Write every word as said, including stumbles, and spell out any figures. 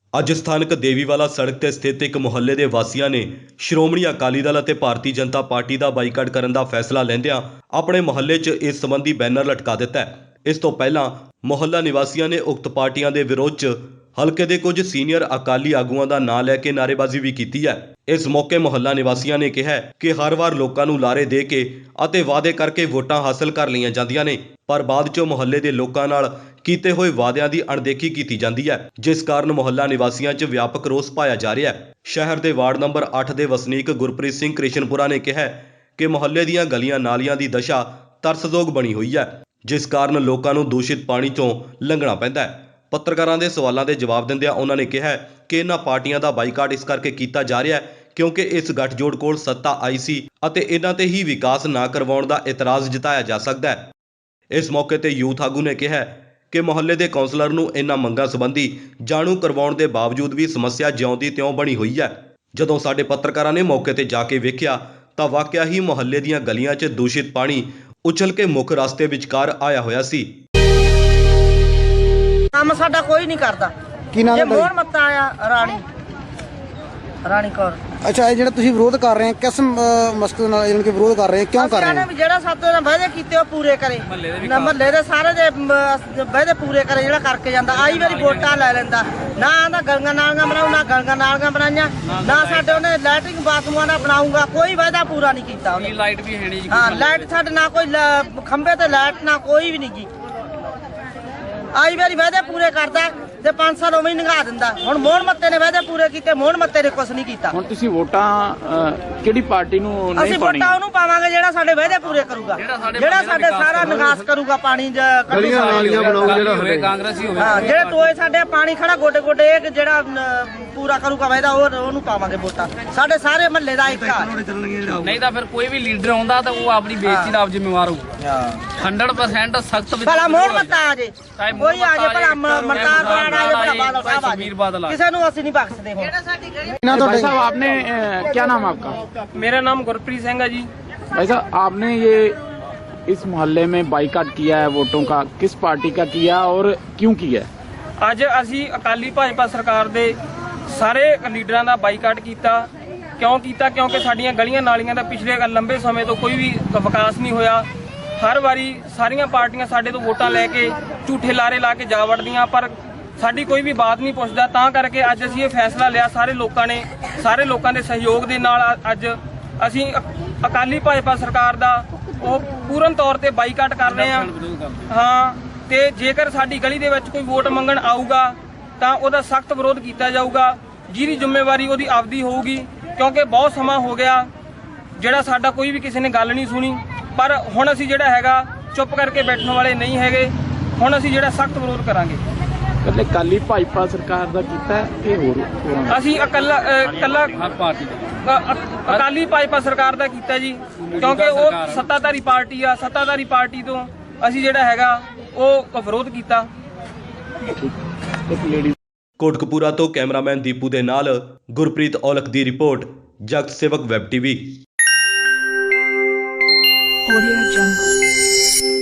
ਅੱਜ ਸਥਾਨਕ ਦੇਵੀਵਾਲਾ ਸੜਕ ਤੇ ਸਥਿਤ ਇੱਕ ਮੁਹੱਲੇ ਦੇ ਵਾਸੀਆਂ ਨੇ ਸ਼੍ਰੋਮਣੀ ਅਕਾਲੀ ਦਲ ਅਤੇ ਭਾਰਤੀ ਜਨਤਾ ਪਾਰਟੀ ਦਾ ਬਾਈਕਾਟ ਕਰਨ ਦਾ ਫੈਸਲਾ ਲੈਂਦਿਆਂ ਆਪਣੇ ਮੁਹੱਲੇ 'ਚ ਇਸ ਸੰਬੰਧੀ ਬੈਨਰ ਲਟਕਾ ਦਿੱਤਾ ਹੈ। ਇਸ ਤੋਂ ਪਹਿਲਾਂ ਮੁਹੱਲਾ ਨਿਵਾਸੀਆਂ ਨੇ ਉਕਤ ਪਾਰਟੀਆਂ ਦੇ ਵਿਰੋਧ 'ਚ ਹਲਕੇ ਦੇ ਕੁਝ ਸੀਨੀਅਰ ਅਕਾਲੀ ਆਗੂਆਂ ਦਾ ਨਾਂ ਲੈ ਕੇ ਨਾਅਰੇਬਾਜ਼ੀ ਵੀ ਕੀਤੀ ਹੈ। ਇਸ ਮੌਕੇ ਮੁਹੱਲਾ ਨਿਵਾਸੀਆਂ ਨੇ ਕਿਹਾ ਕਿ ਹਰ ਵਾਰ ਲੋਕਾਂ ਨੂੰ ਲਾਰੇ ਦੇ ਕੇ ਅਤੇ ਵਾਅਦੇ ਕਰਕੇ ਵੋਟਾਂ ਹਾਸਲ ਕਰ ਲਈਆਂ ਜਾਂਦੀਆਂ ਨੇ, ਪਰ ਬਾਅਦ 'ਚੋਂ ਮੁਹੱਲੇ ਦੇ ਲੋਕਾਂ ਨਾਲ ਕੀਤੇ ਹੋਏ ਵਾਅਦਿਆਂ ਦੀ ਅਣਦੇਖੀ ਕੀਤੀ ਜਾਂਦੀ ਹੈ, ਜਿਸ ਕਾਰਨ ਮੁਹੱਲਾ ਨਿਵਾਸੀਆਂ 'ਚ ਵਿਆਪਕ ਰੋਸ ਪਾਇਆ ਜਾ ਰਿਹਾ ਹੈ। ਸ਼ਹਿਰ ਦੇ ਵਾਰਡ ਨੰਬਰ ਅੱਠ ਦੇ ਵਸਨੀਕ ਗੁਰਪ੍ਰੀਤ ਸਿੰਘ ਕ੍ਰਿਸ਼ਨਪੁਰਾ ਨੇ ਕਿਹਾ ਕਿ ਮੁਹੱਲੇ ਦੀਆਂ ਗਲੀਆਂ ਨਾਲੀਆਂ ਦੀ ਦਸ਼ਾ ਤਰਸਯੋਗ ਬਣੀ ਹੋਈ ਹੈ, ਜਿਸ ਕਾਰਨ ਲੋਕਾਂ ਨੂੰ ਦੂਸ਼ਿਤ ਪਾਣੀ 'ਚੋਂ ਲੰਘਣਾ ਪੈਂਦਾ ਹੈ। ਪੱਤਰਕਾਰਾਂ ਦੇ ਸਵਾਲਾਂ ਦੇ ਜਵਾਬ ਦਿੰਦਿਆਂ ਉਹਨਾਂ ਨੇ ਕਿਹਾ ਕਿ ਇਹਨਾਂ ਪਾਰਟੀਆਂ ਦਾ ਬਾਈਕਾਟ ਇਸ ਕਰਕੇ ਕੀਤਾ ਜਾ ਰਿਹਾ ਹੈ ਕਿਉਂਕਿ ਇਸ ਗੱਠਜੋੜ ਕੋਲ ਸੱਤਾ ਆਈ ਸੀ ਅਤੇ ਇਹਨਾਂ ਤੇ ਹੀ ਵਿਕਾਸ ਨਾ ਕਰਵਾਉਣ ਦਾ ਇਤਰਾਜ਼ ਜਤਾਇਆ ਜਾ ਸਕਦਾ ਹੈ। ਇਸ ਮੌਕੇ ਤੇ ਯੂਥ ਆਗੂ ਨੇ ਕਿਹਾ ਕਿ ਮੁਹੱਲੇ ਦੇ ਕੌਂਸਲਰ ਨੂੰ ਇਹਨਾਂ ਮੰਗਾਂ ਸੰਬੰਧੀ ਜਾਣੂ ਕਰਵਾਉਣ ਦੇ ਬਾਵਜੂਦ ਵੀ ਸਮੱਸਿਆ ਜਿਉਂ ਦੀ ਤਿਉਂ ਬਣੀ ਹੋਈ ਹੈ। ਜਦੋਂ ਸਾਡੇ ਪੱਤਰਕਾਰਾਂ ਨੇ ਮੌਕੇ ਤੇ ਜਾ ਕੇ ਵੇਖਿਆ ਤਾਂ ਵਾਕਿਆ ਹੀ ਮੁਹੱਲੇ ਦੀਆਂ ਗਲੀਆਂ 'ਚ ਦੂਸ਼ਿਤ ਪਾਣੀ ਉਛਲ ਕੇ ਮੁੱਖ ਰਸਤੇ ਵਿਚਕਾਰ ਆਇਆ ਹੋਇਆ ਸੀ। ਕੰਮ ਸਾਡਾ ਕੋਈ ਨਹੀਂ ਕਰਦਾ। ਕੀ ਨਾਮ ਹੈ? ਮੋਹਨ ਮੱਤਾ ਆਇਆ ਰਾਣੀ ਰਾਣੀ ਕੌਰ। ਅੱਛਾ, ਇਹ ਜਿਹੜਾ ਤੁਸੀਂ ਵਿਰੋਧ ਕਰ ਰਹੇ ਹੋ ਕਿਸ ਅ, ਮਕਸਦ ਨਾਲ ਇਹਨਾਂ ਕੇ ਵਿਰੋਧ ਕਰ ਰਹੇ ਹੋ, ਕਿਉਂ ਕਰ ਰਹੇ ਹੋ? ਜਿਹੜਾ ਸਾਡੇ ਨਾਲ ਵਾਅਦੇ ਕੀਤੇ ਉਹ ਪੂਰੇ ਕਰੇ, ਮਹੱਲੇ ਦੇ ਸਾਰੇ ਦੇ ਵਾਅਦੇ ਪੂਰੇ ਕਰੇ, ਜਿਹੜਾ ਕਰਕੇ ਜਾਂਦਾ। ਆਈ ਵਾਰੀ ਵੋਟਾਂ ਲੈ ਲੈਂਦਾ, ਨਾ ਆਂਦਾ ਗਲੀਆਂ ਨਾਲੀਆਂ ਬਣਾਉ, ਨਾ ਗਲੀਆਂ ਨਾਲੀਆਂ ਬਣਾਈਆਂ, ਨਾ ਸਾਡੇ ਉਹਨੇ ਲੈਟਰਿੰਗ ਬਾਥਰੂਮਾਂ ਦਾ ਬਣਾਊਗਾ, ਕੋਈ ਵਾਅਦਾ ਪੂਰਾ ਨਹੀਂ ਕੀਤਾ ਉਹਨੇ। ਲਾਈਟ ਵੀ ਹੈ ਨਹੀਂ ਜੀ। ਹਾਂ, ਲਾਈਟ ਸਾਡੇ ਨਾ ਕੋਈ ਖੰਭੇ ਤੇ ਲਾਈਟ ਨਾ ਕੋਈ ਵੀ ਨਹੀਂ ਜੀ। ਆਈ ਵਾਰੀ ਵਾਅਦੇ ਪੂਰੇ ਕਰਦਾ ਤੇ ਪੰਜ ਸਾਲ ਉਵੇਂ ਹੀ ਨਿਭਾ ਦਿੰਦਾ। ਹੁਣ ਮੋਹਨ ਮੱਤੇ ਨੇ ਵਾਅਦੇ ਪੂਰੇ ਕੀਤੇ, ਮੋਹਨ ਮੱਤੇ ਨੇ ਕੁਝ ਨਹੀਂ ਕੀਤਾ। ਹੁਣ ਤੁਸੀਂ ਵੋਟਾਂ ਕਿਹੜੀ ਪਾਰਟੀ ਨੂੰ ਨਹੀਂ ਅਸੀਂ ਪਾਣੀ? ਵੋਟਾਂ ਉਹਨੂੰ ਪਾਵਾਂਗੇ ਜਿਹੜਾ ਸਾਡੇ ਵਾਅਦੇ ਪੂਰੇ ਕਰੂਗਾ, ਜਿਹੜਾ ਸਾਡੇ ਸਾਰਾ ਨਿਕਾਸ ਕਰੂਗਾ, ਪਾਣੀ ਗਲੀਆਂ ਨਾਲੀਆਂ ਬਣਾਊ, ਜਿਹੜਾ ਹੋਵੇ ਕਾਂਗਰਸੀ ਹੋਵੇ। ਹਾਂ, ਜਿਹੜੇ ਟੋਏ ਸਾਡੇ ਪਾਣੀ ਖੜਾ ਗੋਡੇ ਗੋਡੇ ਇਹ ਜਿਹੜਾ ਪੂਰਾ ਕਰੂਗਾ ਵਾਅਦਾ, ਉਹ ਉਹਨੂੰ ਪਾਵਾਂਗੇ ਵੋਟਾਂ। ਸਾਡੇ ਸਾਰੇ ਮਹੱਲੇ ਦਾ ਇੱਕ ਆ। ਨਹੀਂ ਤਾਂ ਫਿਰ ਕੋਈ ਵੀ ਲੀਡਰ ਆਉਂਦਾ ਤਾਂ ਉਹ ਆਪਣੀ ਬੇਇੱਜ਼ਤੀ ਦਾ ਆਪ ਜ਼ਿੰਮੇਵਾਰ ਹੋਊ। ਸੌ ਪਰਸੈਂਟ ਸਖਤ ਭਲਾ ਮੋਹਨ ਮੱਤਾ ਆ ਜੇ, ਕੋਈ ਆ ਜੇ, ਭਲਾ ਮਰਕਾਰ ਬਰਾੜ ਆ ਜੇ, ਭਲਾ ਬਾਦਲ ਸਾਹਿਬ ਆ ਜੇ, ਕਿਸੇ ਨੂੰ ਅਸੀਂ ਨਹੀਂ ਬਖਸ਼ਦੇ। ਹੁਣ भाई साहब आपने अ, क्या नाम है आपका? मेरा नाम गुरप्रीत सिंह है जी। भाई साहब आपने ये इस मोहल्ले में बाइकाट किया है वोटों का, किस पार्टी का किया और क्यों किया? ਅੱਜ ਅਸੀਂ ਅਕਾਲੀ ਭਾਜਪਾ ਸਰਕਾਰ ਦੇ ਸਾਰੇ ਲੀਡਰਾਂ ਦਾ ਬਾਈਕਾਟ ਕੀਤਾ। ਕਿਉਂ ਕੀਤਾ? ਕਿਉਂਕਿ ਸਾਡੀਆਂ ਗਲੀਆਂ ਨਾਲੀਆਂ ਦਾ ਪਿਛਲੇ ਲੰਬੇ ਸਮੇਂ ਤੋਂ ਕੋਈ ਵੀ ਵਿਕਾਸ ਨਹੀਂ ਹੋਇਆ। ਹਰ ਵਾਰੀ ਸਾਰੀਆਂ ਪਾਰਟੀਆਂ ਸਾਡੇ ਤੋਂ ਵੋਟਾਂ ਲੈ ਕੇ ਝੂਠੇ ਲਾਰੇ ਲਾ ਕੇ ਜਾ ਵੜਦੀਆਂ, ਪਰ ਸਾਡੀ ਕੋਈ ਵੀ ਬਾਤ ਨਹੀਂ ਪੁੱਛਦਾ। ਤਾਂ ਕਰਕੇ ਅੱਜ ਅਸੀਂ ਇਹ ਫੈਸਲਾ ਲਿਆ, ਸਾਰੇ ਲੋਕਾਂ ਨੇ, ਸਾਰੇ ਲੋਕਾਂ ਦੇ ਸਹਿਯੋਗ ਦੇ ਨਾਲ ਅੱਜ ਅਸੀਂ ਅਕਾਲੀ ਭਾਜਪਾ ਸਰਕਾਰ ਦਾ ਉਹ ਪੂਰਨ ਤੌਰ ਤੇ ਬਾਈਕਾਟ ਕਰ ਰਹੇ ਹਾਂ। ਹਾਂ, ਤੇ ਜੇਕਰ ਸਾਡੀ ਗਲੀ ਦੇ ਵਿੱਚ ਕੋਈ ਵੋਟ ਮੰਗਣ ਆਊਗਾ ਤਾਂ ਉਹਦਾ ਸਖਤ ਵਿਰੋਧ ਕੀਤਾ ਜਾਊਗਾ, ਜਿਹਦੀ ਜ਼ਿੰਮੇਵਾਰੀ ਉਹਦੀ ਆਪਦੀ ਹੋਊਗੀ। ਕਿਉਂਕਿ ਬਹੁਤ ਸਮਾਂ ਹੋ ਗਿਆ ਜਿਹੜਾ ਸਾਡਾ ਕੋਈ ਵੀ ਕਿਸੇ ਨੇ ਗੱਲ ਨਹੀਂ ਸੁਣੀ, ਪਰ ਹੁਣ ਅਸੀਂ ਜਿਹੜਾ ਹੈਗਾ ਚੁੱਪ ਕਰਕੇ ਬੈਠਣ ਵਾਲੇ ਨਹੀਂ ਹੈਗੇ। ਹੁਣ ਅਸੀਂ ਜਿਹੜਾ ਸਖਤ ਵਿਰੋਧ ਕਰਾਂਗੇ। ਕੱਲੇ ਅਕਾਲੀ ਭਾਜਪਾ ਸਰਕਾਰ ਦਾ ਕੀਤਾ ਕਿ ਹੋਰ? ਅਸੀਂ ਇਕੱਲਾ ਇਕੱਲਾ ਹਰ ਪਾਰਟੀ ਅਕਾਲੀ ਭਾਜਪਾ ਸਰਕਾਰ ਦਾ ਕੀਤਾ ਜੀ, ਕਿਉਂਕਿ ਉਹ ਸੱਤਾਧਾਰੀ ਪਾਰਟੀ ਆ। ਸੱਤਾਧਾਰੀ ਪਾਰਟੀ ਤੋਂ ਅਸੀਂ ਜਿਹੜਾ ਹੈਗਾ ਉਹ ਵਿਰੋਧ ਕੀਤਾ। ਕੋਟਕਪੂਰਾ ਤੋਂ ਕੈਮਰਾਮੈਨ ਦੀਪੂ ਦੇ ਨਾਲ ਗੁਰਪ੍ਰੀਤ ਔਲਖ ਦੀ ਰਿਪੋਰਟ, ਜਗਤ ਸੇਵਕ ਵੈਬ ਟੀਵੀ। Audio Jungle।